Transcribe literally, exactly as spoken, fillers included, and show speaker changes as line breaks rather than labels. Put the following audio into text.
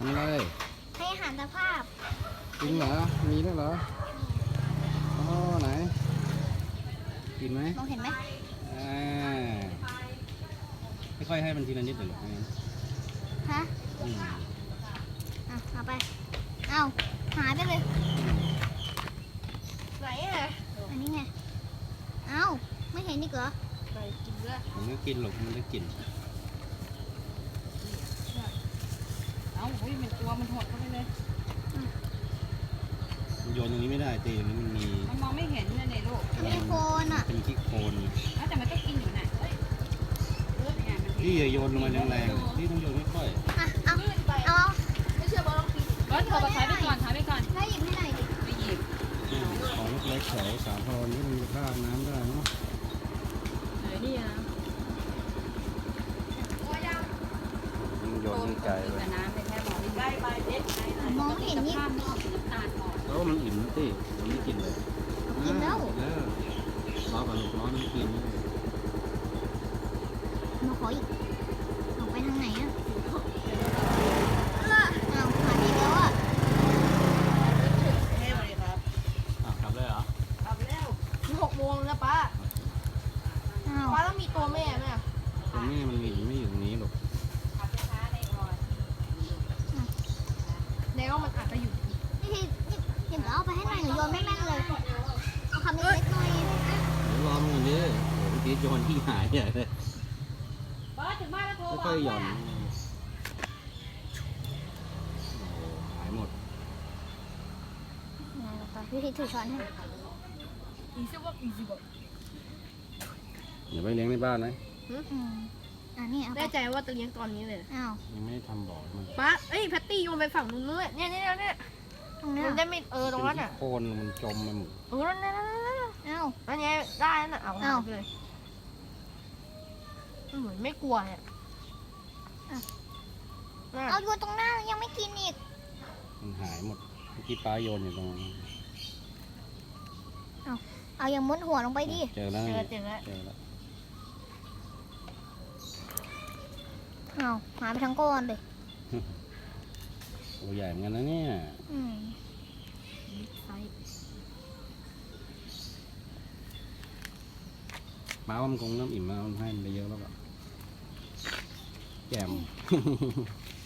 ทำอะไร
ให้อาหารตะภาพ
จริงเหรอมีด้วยเหรออ๋อไหนกินไหม
มองเห็นไหม
อ่าค่อยๆให้มันทีละนิดหน่อยหรอกงั้น
ฮะ
อืม
อ่ะเอาไปเอาหายไปเลยไหนอ่ะอันนี้ไงเอาไม่เห็นนี่เหรอไปกินด้วย
มันก็กินหรอกมันได้กลิ่น
เอาอุ้ยมันตัวมันหดเข้าไปเลย
โยนตรงนี้ไม่ได้ตีตรงนี้มันมี
มันมองไม่เห็นเลยเนี่ยลูก
มันมีโคนอ่ะ
เป็นขี้โคลน
แล้วแต่มันต้องกินอยู่น่ะเนี่ยมัน
พี่อย่าโยนลงมาแรงๆพี่ต้องโยนค่อย
อ่ะเอาเอาไม่เชื่อบอลลองกิน
บอสโทรมาถ่ายไปก่อนถ่ายไปก่อน
ได้หยิบให้หน่อยดิ
ไปหยิบ
ๆของเล็กๆแถวสาทรที่มันมีค่าน้ำได้เนาะ
ไหนนี่นะ
โยนให้ไกลเลย
แต่น้ำไปแค่มองใกล้ไปเด็ดใกล้หน่อย
มองไม่เห็นนี่
ภาพไม่ออกน้ำตาลออก
แล้วมันอิ่มสิมันไม่กินเลย
กินแล้ว
เออรอก่อนลูกร้อนมันกิน
มาขออีกออกไปทางไหนอ่ะเอาหายไปแล้วอ่ะ
เฮ้ยสวัสดีครับ
อ่ะกลับเลยเหรอก
ลับแล้ว
หกโมงแล้วป้า
เอา
ป้าต้องมีตัวแม่ไหมอะ
ตรงนี้มันมีไม่อยู่ตรงนี้หรอก
ขับช้าๆในก่อน
แล้วมันอาจจะอยู่
นี่ทีนี่เห็นเอาไปให้หน่อยหนูโยนไม่แม่นเลยเอาคำเล็กๆหน่อย
เดี๋ยวรอมันก่อนดิโอ้โหเมื่อกี้โยนที่หายใหญ่เลย
บอสถึงบ้านแล้วโทรบอก
ค่อยๆหย่อ
ว่าน
โอ้โหหายหมด
ไหนต่อพี่ทีถือช้อนให้
อีซิบอกอีซิบอก
เดี๋ยวไปเลี้ยงในบ้านนะ
อืมอ่ะนี่เอาไป
แน่ใจว่าจะเลี้ยงตอนนี้เลย
อ้าว
ยังไม่ได้ทำบ่อมัน
ป้าเอ้ยแพตตี้โยนไปฝั่งนู้นเลยเนี่ยเนี่ยเนี่ย
ตรงนี้
มันได้ไม่เออตรงนั้น
เป็น
อ่ะ
ขี้โคลนมันจมไปหมด
เออนั่นนั่นนั่นนั่น
อ้าว
อันนี้ได้นั่นน่ะเอา
เอ้า
หายไปเลยมันเหมือนไม่กลัวเนี่ยนั่น
เอาโยนตรงหน้ายังไม่กินอีก
มันหายหมดเมื่อกี้ปลาโยนอยู่ตรงนั้น
เอาอย่างมุดหัวลงไปดิ
เจอแล้ว
เจ
นะ
อเจอแล้ว
เจอแล้ว
เอาหายไปทั้งก้อนเลย
ตัวใหญ่เหมือนกันนะเนี่ย
อืม
ไซส์
ปลาว่ามันคงเริ่มอิ่มแล้วมันให้มันไปเยอะแล้วก็แจ่ม